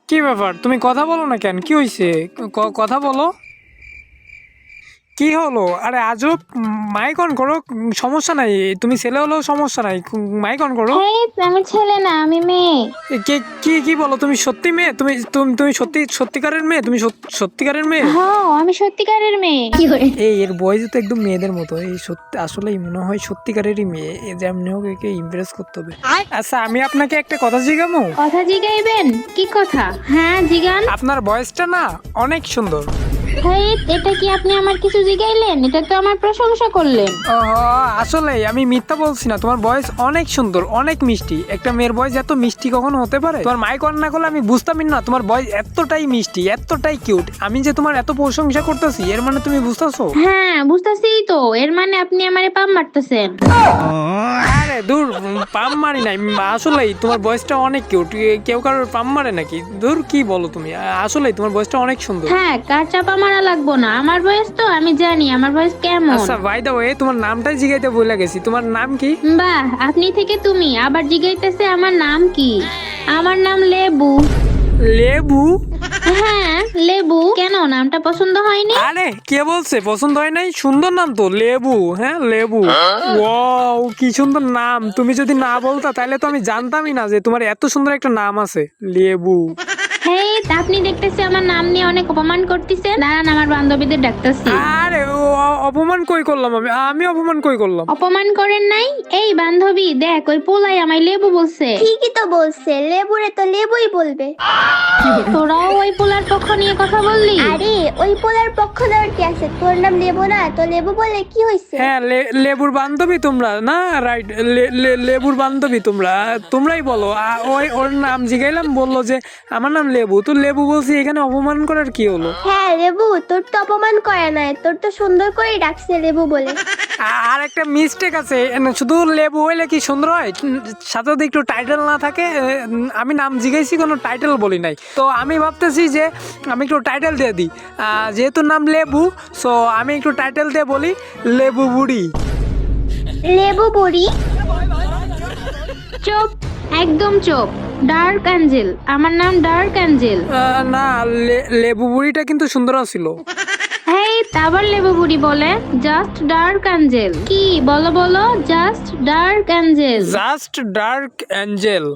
কি ব্যাপার, তুমি কথা বলো না কেন? কি হয়েছে? কথা বলো। কি হলো? আরে আজব। মাইক অন করো। সমস্যা নাই, তুমি ছেলে হলেও সমস্যা নাই। মাইক অন করো। হেই, আমি ছেলে না, আমি মেয়ে। কে? কি কি বলো? তুমি সত্যি মেয়ে? তুমি তুমি তুমি সত্যিকারের মেয়ে? তুমি সত্যিকারের মেয়ে? হ্যাঁ, আমি সত্যিকারের মেয়ে। এই এর বয়স তো একদম মেয়েদের মতো। এই সত্যি আসলেই মনে হয় সত্যিকারেরই মেয়ে। এ যেমনি হোক একে ইমপ্রেস করতে হবে। আচ্ছা, আমি আপনাকে একটা কথা জিজ্ঞামো? কথা জিগাইবেন? কি কথা? হ্যাঁ, জিগান। আপনার বয়সটা না অনেক সুন্দর। হেই, এটা কি আপনি আমার কিছু জিগাইলেন? এটা তো আমার প্রশংসা করলেন। ও, আসলে আমি মিথ্যা বলছি না। তোমার বয়স অনেক সুন্দর, অনেক মিষ্টি। একটা মেয়ের বয়স এত মিষ্টি কখনো হতে পারে? তোমার মাইক অন না করলে আমি বুঝতামই না তোমার বয়স এতটাই মিষ্টি, এতটাই কিউট। আমি যে তোমার এত প্রশংসা করতেছি, এর মানে তুমি বুঝতেছো? হ্যাঁ, বুঝতেছি তো। এর মানে আপনি আমারে পাম মারতেছেন। আরে দূর, পাম মারি নাই। আসলেই তোমার বয়সটা অনেক কিউট। কেউ কারোর পাম মারে নাকি? দূর, কি বলো তুমি? আসলেই তোমার বয়সটা অনেক সুন্দর। হ্যাঁ, কার চাপা মারা লাগবো না। আমার বয়স তো আমি জানি আমার বয়স কেমন। আচ্ছা, বাই দ্য ওয়ে, তোমার নামটাই জিগাইতে ভুলে গেছি। তোমার নাম কি? বাহ, আপনি থেকে তুমি আবার জিগাইতেছে আমার নাম কি? আমার নাম লেবু। লেবু? হ্যাঁ, লেবু। কেন, নামটা পছন্দ হয়নি? আরে কে বলছে পছন্দ হয় নাই? সুন্দর নাম তো, লেবু। হ্যাঁ, লেবু। ওয়াও, কি সুন্দর নাম! তুমি যদি না বলতা তাহলে তো আমি জানতামই না যে তোমার এত সুন্দর একটা নাম আছে, লেবু। হেই, আপনি দেখতেছি আমার নাম নিয়ে অনেক অপমান করতেছেন। দাঁড়ান, আমার বান্ধবীদের ডাকতেছি। আরে অপমান কই করলাম? আমি অপমান কই করলাম? অপমান করেন নাই? এই বান্ধবী, দেখ ওই পোলাই আমায় লেবু বলছে। ঠিকই তো বলছে, লেবুরে তো লেবুই বলবে। তোরাও ওই পোলার পক্ষ নিয়ে কথা বললি? আরে ওই পোলার পক্ষ দেওয়ার কি আছে? তোর নাম লেবু না, তো লেবু বলে কি হয়েছে? হ্যাঁ, লেবুর বান্ধবী তোমরা না? রাইট, লেবুর বান্ধবী তোমরা। তোমরাই বলো। ওই ওর নাম জিগাইলাম, বললো যে আমার নাম লেবু। তো লেবু বলছি, এখানে অপমান করার কি হলো? হ্যাঁ লেবু, তোর তো অপমান করে নাই, তোর তো সুন্দর করে ডাকছে লেবু বলে। আর একটা মিস্টেক আছে। শুধু লেবু হইলে কি সুন্দর হয়? সাথে যদি একটু টাইটেল না থাকে। আমি নাম জিজ্ঞাসি, কোনো টাইটেল বলি নাই। তো আমি ভাবতেছি যে আমি একটু টাইটেল দিয়ে দিই। যেহেতু নাম লেবু, সো আমি একটু টাইটেল দিয়ে বলি, লেবু বুড়ি। লেবু বুড়ি? চুপ, একদম চুপ। ডার্ক অ্যাঞ্জেল, আমার নাম ডার্ক অ্যাঞ্জেল। না, লেবু বুড়িটা কিন্তু সুন্দর ছিল। হেই, আবার লেবু বুড়ি বলে? Just dark angel. কি বলো বলো? Just dark angel. Just dark angel.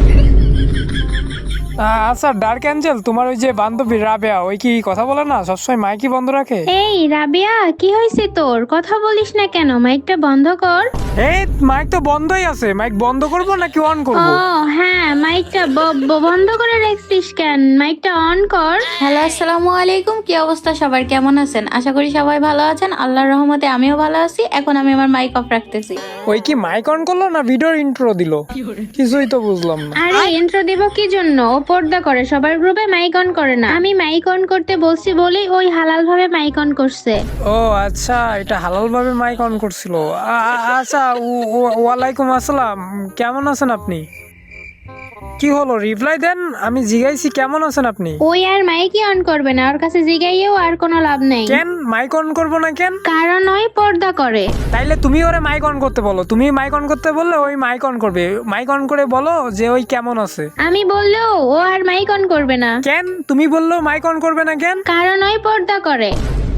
আচ্ছা, ডার্ক অ্যাঞ্জেল, তোমার ওই যে বান্ধবী রাবেয়া, ওই কি কথা বলে না? সবসময় মাইকই বন্ধ রাখে। এই রাবিয়া, কি হয়েছে তোর? কথা বলিস না কেন? মাইকটা বন্ধ কর। এই মাইক তো বন্ধই আছে। মাইক বন্ধ করবো নাকি অন ও করবো? হ্যাঁ, মাইকটা বন্ধ করে রাখছিস কেন? মাইকটা অন কর। হ্যালো, আসসালামু আলাইকুম। কি অবস্থা সবার? কেমন আছেন? আশা করি সবাই ভালো আছেন। আল্লাহর রহমতে আমিও ভালো আছি। এখন আমি আমার মাইক অফ রাখতেছি। ওই কি মাইক অন করলো না ভিডিওর ইন্ট্রো দিল? কিছুই তো বুঝলাম না। আরে ইন্ট্রো দিব কি জন্য? ও পর্দা করে, সবার গ্রুপে মাইক অন করে না। আমি মাইক অন করতে বলছি বলেই ওই হালাল ভাবে মাইক অন করছে। ও আচ্ছা, এটা হালাল ভাবে মাইক অন করছিল। আচ্ছা, ওয়ালাইকুম আসসালাম। কেমন আছেন আপনি? কি হলো, রিপ্লাই দেন। আমি জিজ্ঞাসি কেমন আছেন আপনি। ওই আর মাইকই অন করবে না, ওর কাছে জিগাইয়েও আর কোনো লাভ নেই। কেন মাইক অন করবো না কেন? কারণ ওই পর্দা করে। তাইলে তুমি ওরে মাইক অন করতে বলো। তুমি মাইক অন করতে বললে ওই মাইক অন করবে। মাইক অন করে বলো যে ওই কেমন আছে। আমি বললেও ও আর মাইক অন করবে না। কেন তুমি বললেও মাইক অন করবে না কেন? কারণ ওই পর্দা করে।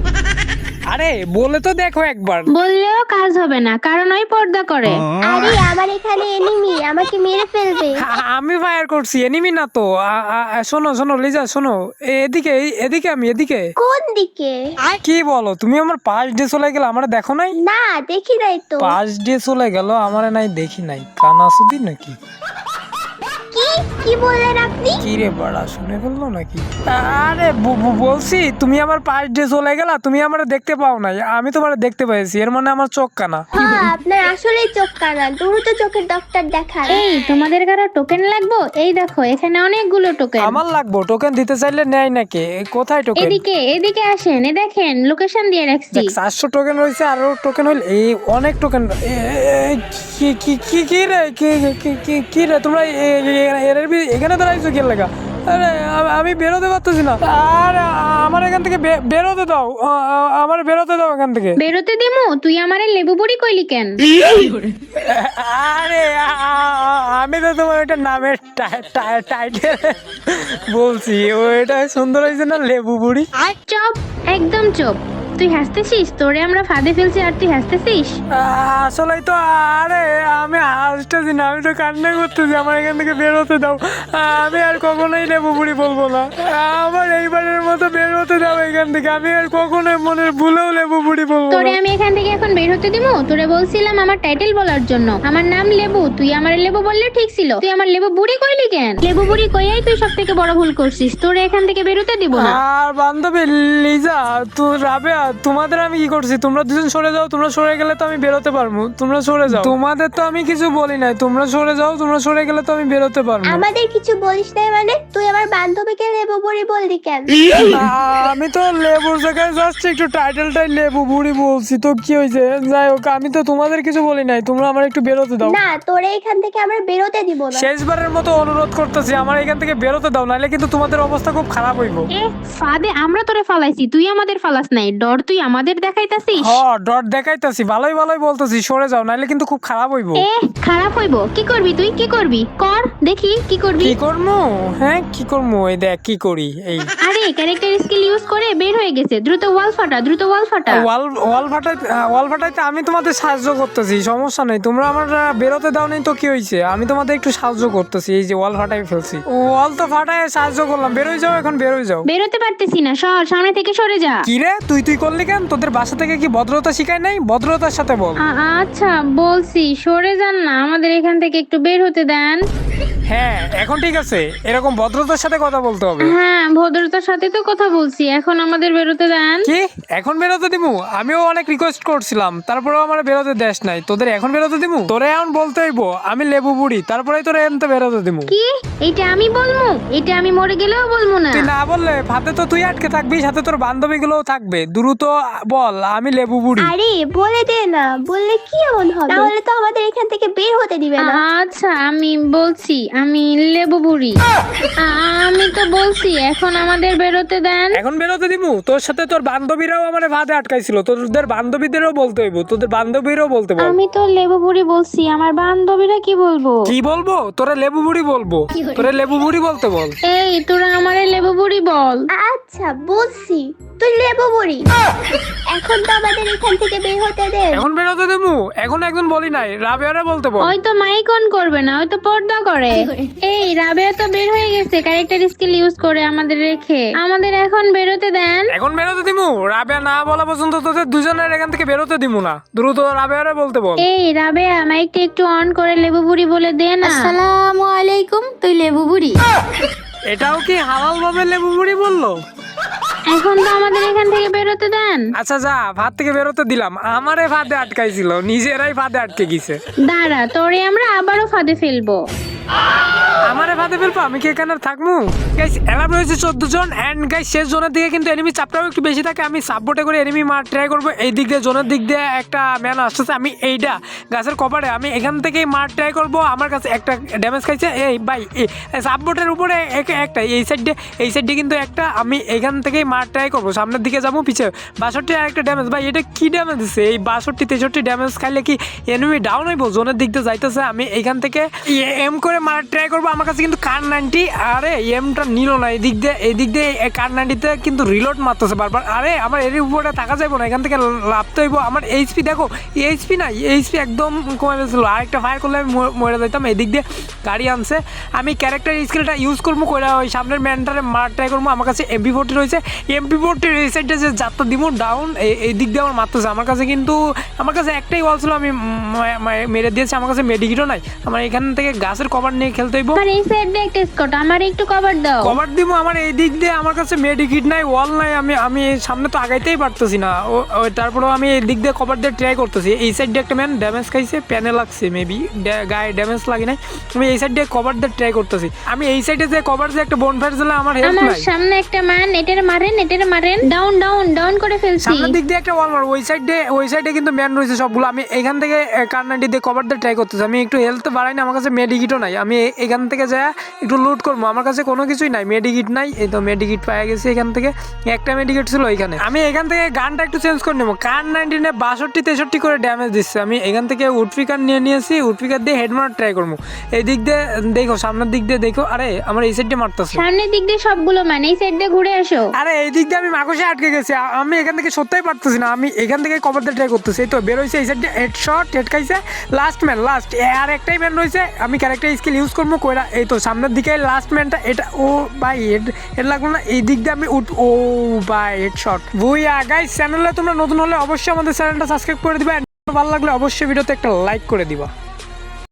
আরে বলে তো দেখো একবার। বললেও কাজ হবে না, কারণ ওই পর্দা করে। আরে আমার এখানে এনিমি, আমাকে মেরে ফেলবে। আমি ফায়ার করছি, এনিমি না তো। শোনো শোনো লিজা, শোনো। এদিকে এদিকে, আমি এদিকে। কোন দিকে? কি বলো তুমি? আমার পাশ দিয়ে চলে গেল, আমার দেখো নাই? না দেখি নাই তো। পাশ দিয়ে চলে গেল, আমার নাই দেখি নাই। কানাসুদি নাকি? কি কি বললেন আপনি? কি রে বাড়া, শুনে ফেললো নাকি? আরে বলছি তুমি আমার পাশ দিয়ে চলে গেলা, তুমি আমার দেখতে পাও নাই। আমি তোমার দেখতে পেয়েছি, এর মানে আমার চোখ কানা। হ্যাঁ, আপনার আসলেই চোখ কানা। দ্রুত চোখের ডক্টর দেখান। এই তোমাদের কারো টোকেন লাগবো? এই দেখো, এখানে অনেকগুলো টোকেন। আমার লাগবো? টোকেন দিতে চাইলে নেয় নাকি? কোথায় টোকেন? এদিকে এদিকে আসেন, এ দেখেন লোকেশন দিয়ে রাখছি। 400 টোকেন রয়েছে, আরো টোকেন হইলে এই অনেক টোকেন। কি কি কি কি রে? কি কি কি রে তোমরা? এখানে দাঁড়াইছো কি লাগা? আরে আমি বেরোতে পারতেছি না। আরে আমার এখান থেকে বেরোতে দাও, আমার বেরোতে দাও এখান থেকে। বেরোতে দিমু? তুই আমারে লেবু বুড়ি কইলি কেন? আরে আমি তো তোমার ওইটা নামের টাইটেল বলছি, ওইটা সুন্দর হয়েছে না, লেবু বুড়ি। চুপ, একদম চুপ। তুই হাসতেছিস? তোরে আমরা ফাঁদে ফেলছি আর তুই হাসতেছিস? আসলেই তো। আরে আমি হাসতেছি না, আমি তো কান্না করতেছি। আমার এখান থেকে বেরোতে দাও, আমি আর কখনোই লেবু বুড়ি বলবো না। আমার এইবারের মতো বেরোতে দাও এখান থেকে, আমি আর কখনোই মনের ভুলেও লেবু বুড়ি বলবো তোরে না। আমি এখান থেকে এখন বের হতে দিমু? তোরে বলছিলাম আমার টাইটেল বলার জন্য, আমার নাম লেবু। তুই আমার লেবু বললে ঠিক ছিল, তুই আমার লেবু বুড়ি কইলি কেন? লেবু বুড়ি কইয়াই তুই সব থেকে বড় ভুল করছিস। তোরে এখান থেকে বেরোতে দিব না। আর বান্ধবী লিজা, তুই রাবেয়া, তোমাদের আমি কি করছি? তোমরা দুজন সরে যাও, তোমরা সরে গেলে তো আমি বেরোতে পারবো। তোমরা সরে যাও, তোমাদের তো আমি কিছু বলি নাই। তোমরা সরে যাও, তোমরা সরে গেলে তো আমি বেরোতে পারবো। আমাদের কিছু বলিস নাই মানে? তুই আমার বান্ধবীকে লেবু বুড়ি বললি কেন? আমি তো লেবুর জায়গায় যাচ্ছি, একটু টাইটেলটাই লেবু বুড়ি বলছি, তো কি হয়েছে? যাই হোক, আমি তো তোমাদের কিছু বলি নাই। তোমরা আমার একটু বেরোতে দাও। না, তোরে এখান থেকে আমরা বেরোতে দিব না। শেষবারের মতো অনুরোধ করতেছি, আমার এখান থেকে বেরোতে দাও, নাহলে কিন্তু তোমাদের অবস্থা খুব খারাপ হইব। এ ফাঁদে আমরা তোরে ফালাইছি, তুই আমাদের ফালাস নাই। ডর তুই আমাদের দেখাইতাছিস? ডট দেখাইতাছি, ভালোই ভালোই বলতেছি, সরে যাও, নাহলে কিন্তু খুব খারাপ হইব। এ খারাপ হইব? কি করবি তুই? কি করবি কর দেখি, কি করবি? কি করবো? হ্যাঁ, কি করবো? এই দেখ কি করি। এই আরে ক্যারেক্টার স্কিল ইউজ করে বের হয়ে গেছে। দ্রুত ওয়াল ফাটা, দ্রুত ওয়াল ফাটা। ওয়াল ফাটাইতে আমি তোমাদের সাহায্য করতেছি, সমস্যা নেই। তোমরা আমার বেরোতে দাও নাই তো কি হয়েছে? আমি তোমাদের একটু সাহায্য করতেছি। এই যে ওয়াল ফাটাই ফেলছি, ওয়াল তো ফাটাই সাহায্য করলাম। বেরোয় যাও এখন, বেরোয় যাও। বেরোতে পারতেছি না, সর, সামনে থেকে সরে যা। কি রে, তুই করলি কেন? তোদের বাসা থেকে কি ভদ্রতা শিখায় নাই? ভদ্রতার সাথে বল। আচ্ছা বলছি, সরে যান না, আমাদের এখান থেকে একটু বের হতে দেন। হ্যাঁ, এখন ঠিক আছে, এরকম ভদ্রতার সাথে কথা বলতে হবে। হ্যাঁ, ভদ্রতার সাথে তো কথা বলছি, এখন আমাদের বেরোতে দেন। কি এখন বেরোতে দিমু? আমিও অনেক রিকোয়েস্ট করছিলাম, তারপরেও আমার বেরোতে দেশ নাই। তোদের এখন বেরোতে দিমু? তোরে এখন বলতে হইব আমি লেবু বুড়ি, তারপরেই তোরে এমতে বেরোতে দিমু। কি? এটা আমি বলবো? এটা আমি মরে গেলেও বলবো না। তুই না বললে ফাতে তো তুই আটকে থাকবি, সাথে তোর বান্ধবী গুলোও থাকবে। দ্রুত বল আমি লেবু বুড়ি। আরে বলে দে না, বললে কি এমন হবে? তাহলে তো আমাদের এখান থেকে বের হতে দিবে না। আচ্ছা আমি বলছি, আমি লেবু বুড়ি। আমি তো বলছি এখন আমাদের বেরোতে দেন। এখন বেরোতে দিমু? তোর সাথে তোর বান্ধবীরাও আমার ফাঁদে আটকাইছিল, তোদের বান্ধবীদেরও বলতে হইব, তোদের বান্ধবীরাও বলতে বল। আমি তো লেবু বুড়ি বলছি, আমার বান্ধবীরা কি বলবো? কি বলবো? তোরা লেবু বুড়ি বলবো, তোরা লেবু বুড়ি বলতে বল। এই তোরা আমারে লেবু বুড়ি বল। আচ্ছা বলছি, তুই লেবু বুড়ি। এখন তো আমাদের এখান থেকে বের হতে দে। এখন বেরোতে দেবো? এখন একজন বলি নাই, রাবেয়ারে বলতে বল। ওই তো মাইক অন করবে না, ওই তো পর্দা করে। এই রাবেয়া তো বের হয়ে গেছে ক্যারেক্টার স্কিল ইউজ করে আমাদের রেখে। আমাদের এখন বেরোতে দেন। এখন বেরোতে দিমু? রাবেয়া না বলা পর্যন্ত তোদের দুজনের এখান থেকে বেরোতে দিমু না। দ্রুত রাবেয়ারে বলতে বল। এই রাবেয়া মাইকটা একটু অন করে লেবু বুড়ি বলে দে না। আসসালামু আলাইকুম, তুই লেবু বুড়ি? এটাও কি হালাল ভাবে লেবু বুড়ি বললো? এখন তো আমাদের এখান থেকে বেরোতে দেন। আচ্ছা যা, ফাঁদ থেকে বেরোতে দিলাম। আমারে ফাঁদে আটকাইছিল, নিজেরাই ফাঁদে আটকে গেছে। দাঁড়া, তোরে আমরা আবারও ফাঁদে ফেলবো। আমারে ফাঁদে ফেলবো? আমি কি এখানে থাকবো? গাইস এলাম রয়েছে 14 জন, এন্ড গাইস শেষ জোনের দিকে কিন্তু এনিমি চাপটাও একটু বেশি থাকে। আমি সাপোর্টে করে এনিমি মার ট্রাই করবো। এই দিক দিয়ে জোনের দিক দিয়ে একটা ম্যান আসতেছে, আমি এইটা গাছের কপারে আমি এখান থেকেই মার ট্রাই করবো। আমার কাছে একটা ড্যামেজ খাইছে। এই ভাই সাপোর্টের উপরে একটা এই সাইডে কিন্তু একটা, আমি এখান থেকেই মার ট্রাই করবো। সামনের দিকে যাবো, পিছে 62 আর একটা ড্যামেজ। ভাই এটা কি ড্যামেজ দিচ্ছে? এই 62-63 ড্যামেজ খাইলে কি এনিমি ডাউন হইব? জোনের দিক দিয়ে যাইতেছে, আমি এখান থেকে এম করে মারার ট্রাই করবো। আমার কাছে কিন্তু কার 90, আরে এমটা নিল না। এই দিক দিয়ে কার 90-তে কিন্তু রিলোড মারতেছে বারবার। আরে আমার এর উপরে থাকা যাইব না, এখান থেকে লাভতে হইব। আমার এইচপি দেখো, এইচপি না, এইচপি একদম কমে গেছিল। আরেকটা ফায়ার করলে আমি মরে যাইতাম। এই দিক দিয়ে গাড়ি আনছে, আমি ক্যারেক্টার স্কিলটা ইউজ করবো করে ওই সামনের ম্যানটারে মার ট্রাই করবো। আমার কাছে MP40 রয়েছে, MP40 এই সাইডটা যে যাত্রা দিব ডাউন, এই দিক দিয়ে আমার মারতেছে। আমার কাছে একটাই ওয়াল ছিল, আমি মেরে দিয়েছি। আমার কাছে মেডিকিটও নাই। আমার এখান থেকে গাছের কভার নিয়ে খেলতে হইব। আমার এই সাইড দিয়ে একটা স্কট, আমার একটু কভার দাও। কভার দিব? আমার এই দিক দিয়ে আমার কাছে মেডিকিট নাই, ওয়াল নাই। আমি সামনে তো আগাইতেই পারতেছি না। তারপরেও আমি এই দিক দিয়ে কভার দিয়ে ট্রাই করতেছি। এই সাইড দিয়ে একটা ম্যান ড্যামেজ খাইছে, প্যানে লাগছে মেবি, গায়ে ড্যামেজ লাগে নাই। আমি এই সাইড দিয়ে কভার দিয়ে ট্রাই করতেছি। আমি এই সাইডে যে কভার দিয়ে একটা বনফায়ার জ্বলে আমার হেল্প আমার নাই। সামনে একটা ম্যান, এটারে মারেন। ডাউন করে ফেলছি। সামনের দিক দিয়ে একটা ওয়াল মার। ওই সাইডে কিন্তু ম্যান রয়েছে সবগুলো। আমি এখান থেকে কার 90 দিয়ে কভার দিয়ে ট্রাই করতেছি। আমি একটু হেলথ বাড়াই না, আমার কাছে মেডিকিটও নাই। আমি এখান থেকে থেকে যায় একটু লুট করবো। আমার কাছে কোনো কিছুই নাই, মেডিকিট নাই। এই তো মেডিকিট পাওয়া গেছে এখান থেকে, একটা মেডিকিট ছিল এখানে। আমি এখান থেকে গানটা একটু চেঞ্জ করে নেবো। কার 19-এ 62-63 করে ড্যামেজ দিচ্ছে। আমি এখান থেকে উডপিকার নিয়ে নিয়েছি, উডপিকার দিয়ে হেড মারার ট্রাই করবো। এই দিক দিয়ে দেখো, সামনের দিক দিয়ে দেখো। আরে আমার এই সাইড দিয়ে মারতেছে। সামনের দিক দিয়ে সবগুলো মানে এই সাইড দিয়ে ঘুরে আসো। আরে এই দিক দিয়ে আমি মাকসে আটকে গেছি, আমি এখান থেকে সত্যিই পারতেছি না। আমি এখান থেকে কভার দিয়ে ট্রাই করতেছি। এই তো বেরোইছে এই সাইড দিয়ে, হেডশট হেড খাইছে। লাস্ট ম্যান, লাস্ট আর একটাই ম্যান রয়েছে। আমি ক্যারেক্টার স্কিল ইউজ করবো কইরা। এই তো সামনের দিকে লাস্ট ম্যানটা, এটা ও ভাই হেড লাগলো না। এই দিক দিয়ে আমি ও ভাই হেডশট। বুইয়া গাইস, চ্যানেলে তোমরা নতুন হলে অবশ্যই আমাদের চ্যানেলটা সাবস্ক্রাইব করে দিবা। ভালো লাগলে অবশ্যই ভিডিওতে একটা লাইক করে দিবা।